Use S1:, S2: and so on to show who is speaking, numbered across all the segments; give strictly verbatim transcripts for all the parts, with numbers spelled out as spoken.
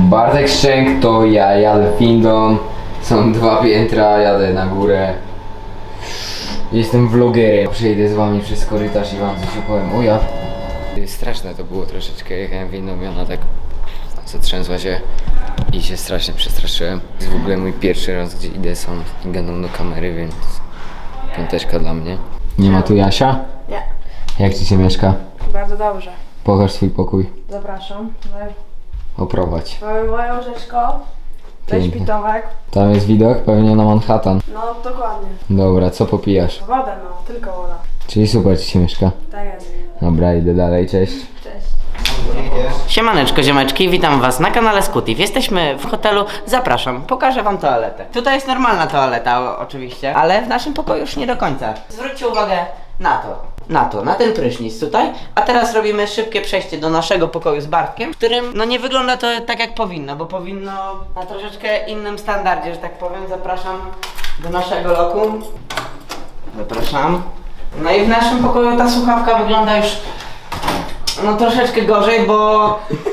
S1: Bartek Szczęk to ja, jadę windą. Są dwa piętra, jadę na górę. Jestem vlogerem. Przejdę z wami przez korytarz i wam coś opowiem. O ja. Straszne to było troszeczkę, jechałem windą i ona tak zatrzęsła się i się strasznie przestraszyłem. To jest w ogóle mój pierwszy raz, gdzie idę sam i gadam do kamery, więc piąteczka dla mnie. Nie ma tu Jasia?
S2: Nie.
S1: Jak ci się mieszka?
S2: Bardzo dobrze.
S1: Pokaż swój pokój.
S2: Zapraszam.
S1: Oprowadź.
S2: Mamy moje łóżeczko. Weź
S1: Pięknie.
S2: pitowek.
S1: Tam jest widok pewnie na Manhattan.
S2: No dokładnie.
S1: Dobra, co popijasz?
S2: Wodę no, tylko woda.
S1: Czyli super ci się mieszka.
S2: Tak jest.
S1: Dobra, idę dalej, cześć.
S2: Cześć.
S3: Siemaneczko ziomeczki, witam was na kanale Scootif. Jesteśmy w hotelu, zapraszam, pokażę wam toaletę. Tutaj jest normalna toaleta o, oczywiście, ale w naszym pokoju już nie do końca. Zwróćcie uwagę na to, na to, na ten prysznic tutaj. A teraz robimy szybkie przejście do naszego pokoju z Bartkiem, w którym no nie wygląda to tak jak powinno, bo powinno na troszeczkę innym standardzie, że tak powiem. Zapraszam do naszego lokum. Zapraszam. No i w naszym pokoju ta słuchawka wygląda już no troszeczkę gorzej, bo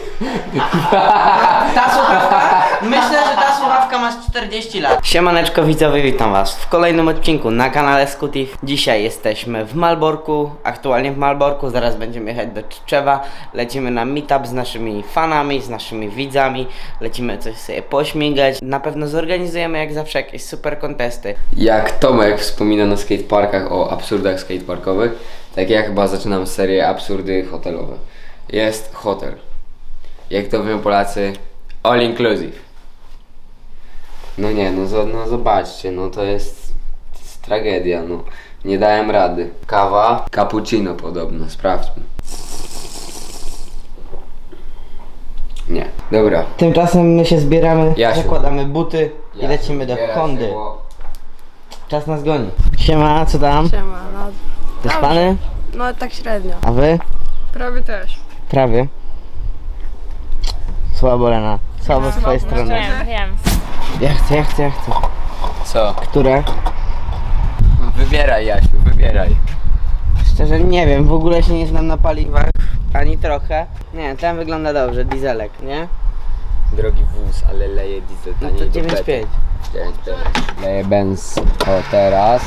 S3: ta słuchawka, myślę, że ta słuchawka ma czterdzieści lat. Siemaneczko widzowie, witam was w kolejnym odcinku na kanale Scootif. Dzisiaj jesteśmy w Malborku, aktualnie w Malborku, zaraz będziemy jechać do Tczewa. Lecimy na meetup z naszymi fanami, z naszymi widzami, lecimy coś sobie pośmigać. Na pewno zorganizujemy jak zawsze jakieś super kontesty. Jak Tomek wspomina na skateparkach o absurdach skateparkowych, tak ja chyba zaczynam serię absurdy hotelowe. Jest hotel. Jak to mówią Polacy, all inclusive. No nie, no, no zobaczcie, no to jest, to jest tragedia, no. Nie dałem rady. Kawa, cappuccino podobno, sprawdźmy. Nie, dobra. Tymczasem my się zbieramy, Jasiu. Zakładamy buty i Jasiu, lecimy do Hondy. Bo... Czas nas goni. Siema, co tam?
S2: Siema, no.
S3: Wyspany?
S2: No tak średnio.
S3: A wy?
S2: Prawie też.
S3: Prawie. Słabo, Lena. Słabo z twojej strony.
S4: Wiem, wiem.
S3: Ja chcę, ja chcę, ja chcę.
S1: Co?
S3: Które?
S1: Wybieraj, Jasiu, wybieraj.
S3: Szczerze nie wiem, w ogóle się nie znam na paliwach. Ani trochę. Nie, ten wygląda dobrze, dieselek, nie?
S1: Drogi wóz, ale leje diesel
S3: No
S1: taniej
S3: to
S1: do
S3: dziewięć
S1: bety.
S3: pięć.
S1: dziewięć pięć. Leje benz. O, teraz.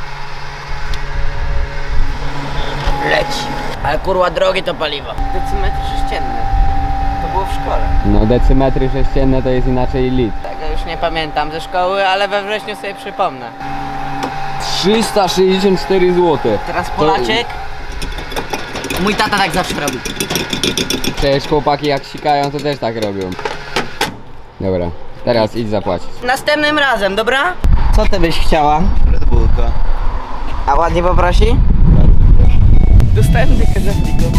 S3: Leci. Ale kurwa drogie to paliwo. Decymetr sześcienny. To było w szkole.
S1: No decymetry sześcienne to jest inaczej lit.
S3: Tego już nie pamiętam ze szkoły, ale we wrześniu sobie przypomnę.
S1: trzysta sześćdziesiąt cztery złote.
S3: Teraz Polaczek. Mój tata tak zawsze robi.
S1: Przecież chłopaki jak sikają to też tak robią. Dobra, teraz idź zapłacić.
S3: Następnym razem, dobra? Co ty byś chciała?
S5: Red Bullka.
S3: A ładnie poprosi? Dostałem dykę za fliko.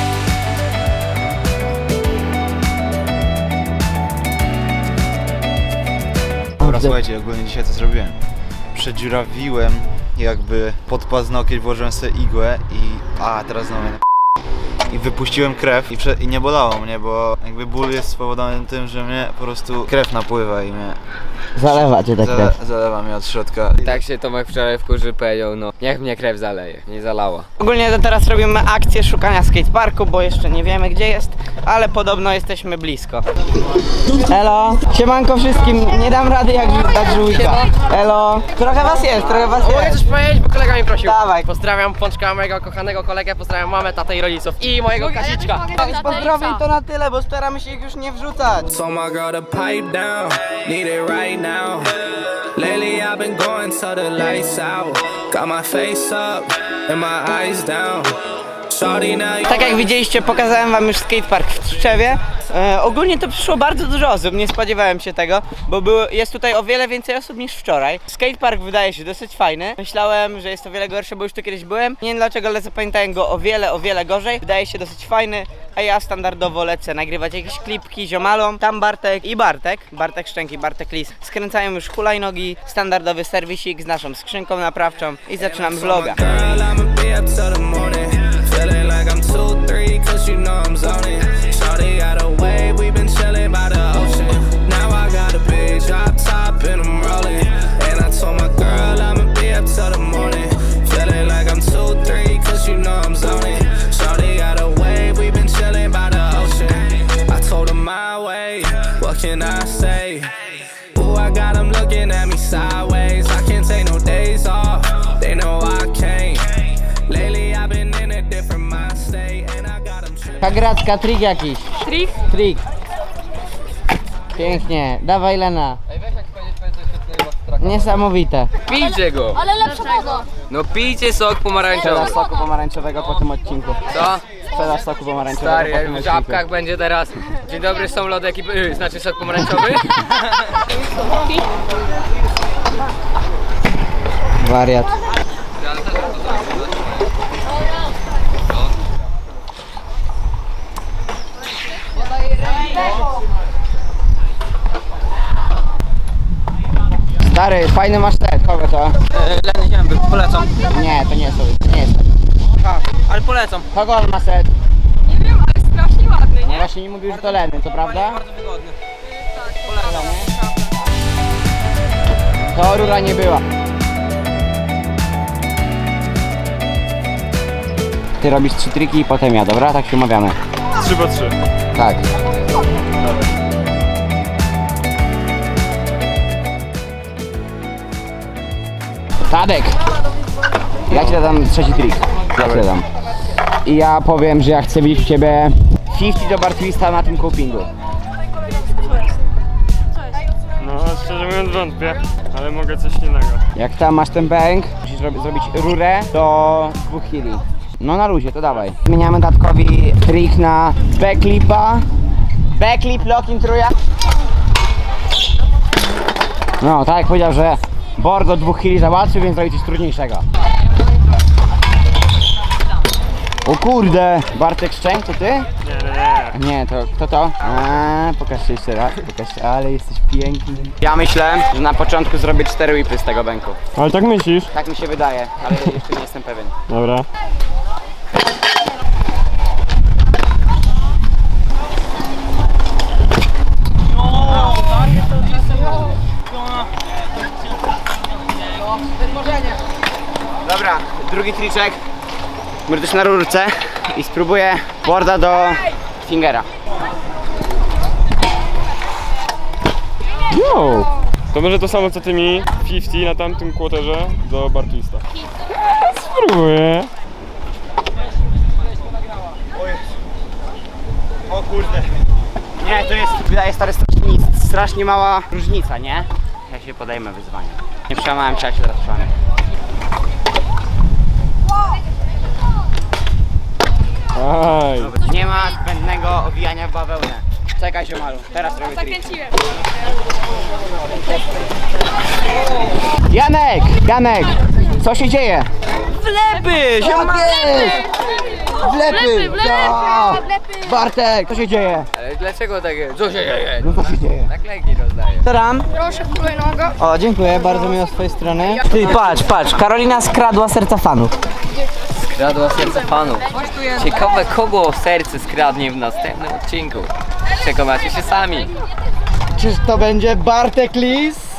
S5: Dobra, słuchajcie, ogólnie dzisiaj co zrobiłem? Przedziurawiłem jakby pod paznokieć, włożyłem sobie igłę i... A, teraz znowu mnie i wypuściłem krew i, prze... i nie bolało mnie, bo jakby ból jest spowodowany tym, że mnie po prostu krew napływa i mnie...
S3: Zalewa cię tak
S5: Zale...
S3: krew.
S5: Zalewa mnie od środka.
S1: Tak się Tomek wczoraj wkurzył, powiedział, no niech mnie krew zaleje. Nie zalała.
S3: Ogólnie to teraz robimy akcję szukania skateparku, bo jeszcze nie wiemy gdzie jest, ale podobno jesteśmy blisko. Elo, siemanko wszystkim, nie dam rady jak dać żółwika. Elo, trochę was jest, trochę was
S6: Mogę
S3: jest.
S6: coś powiedzieć, bo kolega mi prosił.
S3: Dawaj.
S6: Pozdrawiam Pączka, mojego kochanego kolegę, pozdrawiam mamę, tatę i rodziców i mojego Kasiczka.
S3: Pozdrowień to na tyle, bo staramy się ich już nie wrzucać.
S7: Told my girl to pipe down, need it right now. Lately I've been going till the lights out. Got my face up and my eyes down. Shorty now you
S3: Tak jak widzieliście, pokazałem wam już skatepark w Tczewie. E, ogólnie to przyszło bardzo dużo osób, nie spodziewałem się tego, bo było, jest tutaj o wiele więcej osób niż wczoraj. Skatepark wydaje się dosyć fajny. Myślałem, że jest o wiele gorszy, bo już tu kiedyś byłem. Nie wiem dlaczego, ale zapamiętałem go o wiele, o wiele gorzej. Wydaje się dosyć fajny, a ja standardowo lecę nagrywać jakieś klipki ziomalom. Tam Bartek i Bartek, Bartek Szczęk i Bartek Lis skręcają już hulajnogi, standardowy serwisik z naszą skrzynką naprawczą i zaczynamy vloga.
S7: girl, I'ma be up till the morning. Feeling like I'm two, three, cause you know I'm zoning. Shorty got a wave, we been chilling by the ocean. Now I got a big drop top and I'm rolling. And I told my girl I'ma be up till the morning. Feeling like I'm two, three, cause you know I'm zoning. Shorty got a wave, we been chilling by the ocean. I told her my way, what can I say? Ooh, I got them looking at me sideways. I can't take no days off. They know I can't. Lately I've been in a different mind state, and I got them tripping.
S3: Kagracka, trik jakiś.
S2: Trik?
S3: Trik. Pięknie. Dawaj, Lena. Niesamowite.
S6: Pijcie go!
S4: Ale lepsza woda.
S6: No pijcie sok pomarańczowy.
S3: Sprzedaż soku pomarańczowego po tym odcinku.
S6: Co?
S3: Sprzedaż soku pomarańczowego
S6: Stary,
S3: po
S6: jak
S3: tym
S6: w
S3: odcinku.
S6: żabkach będzie teraz. Dzień dobry, są lody ekipy, yy, znaczy sok pomarańczowy.
S3: Wariat. Stary, fajny masz set, kogo to?
S6: Leny Zięby, polecam.
S3: Nie, to nie jest, to nie jest.
S6: Ale polecam.
S3: Kogo on ma set?
S2: Nie wiem, ale strasznie ładny,
S3: No
S2: nie?
S3: właśnie nie mówił, że to Leny, to prawda?
S6: Bardzo wygodny.
S3: To rura nie była. Ty robisz trzy triki i potem ja, dobra? Tak się umawiamy.
S8: trzy po trzy.
S3: Tak. Tadek! Ja ci dam trzeci trik. Ja ci dam. I ja powiem, że ja chcę widzieć u ciebie pięćdziesiąt do bar twista na tym copingu.
S8: No, szczerze mówiąc wątpię, ale mogę coś innego.
S3: Jak tam masz ten bank, musisz rob- zrobić rurę do dwóch chwili. No na luzie, to dawaj. Zmieniamy Datkowi trik na backlipa. Backlip, locking truja. No, tak jak powiedział, że board do dwóch chwili załatwił, więc zrobi coś trudniejszego. O kurde, Bartek Szczęk, to ty?
S8: Nie, nie, nie.
S3: Nie, to kto to? A, pokażcie jeszcze raz, pokażcie, ale jesteś piękny. Ja myślę, że na początku zrobię cztery whipy z tego banku.
S8: Ale tak myślisz?
S3: Tak mi się wydaje, ale jeszcze nie jestem pewien.
S8: Dobra.
S3: Dobra, drugi triczek. Będę też na rurce i spróbuję boarda do fingera.
S8: Yo! To może to samo co ty mi, pięćdziesiąt na tamtym quarterze do bar twista. Spróbuję.
S5: O kurde.
S3: Nie, to jest, wydaje stary, strasznie, strasznie mała różnica, nie? Ja się podejmę wyzwania. Nie przełamałem się, jak się teraz przełamię.
S8: Aj.
S3: Nie ma zbędnego owijania w bawełnę. Czekaj się malu, teraz robię trik.
S2: Zakręciłem.
S3: Janek! Janek! Co się dzieje?
S6: Wlepy!
S3: Wlepy!
S4: Wlepy,
S3: Ja!
S4: wlepy.
S3: Bartek! Co się dzieje?
S6: Ale dlaczego takie? Co się dzieje?
S3: No co się dzieje?
S6: Naklejki rozdaję.
S3: Taram!
S2: Proszę, kolejnego.
S3: O, dziękuję, bardzo miło z twojej strony. Ty, patrz, patrz, Karolina skradła serca fanów.
S6: Skradła serce fanów. Ciekawe, kogo serce skradnie w następnym odcinku. Przekonacie się sami.
S3: Czyż to będzie Bartek Lis?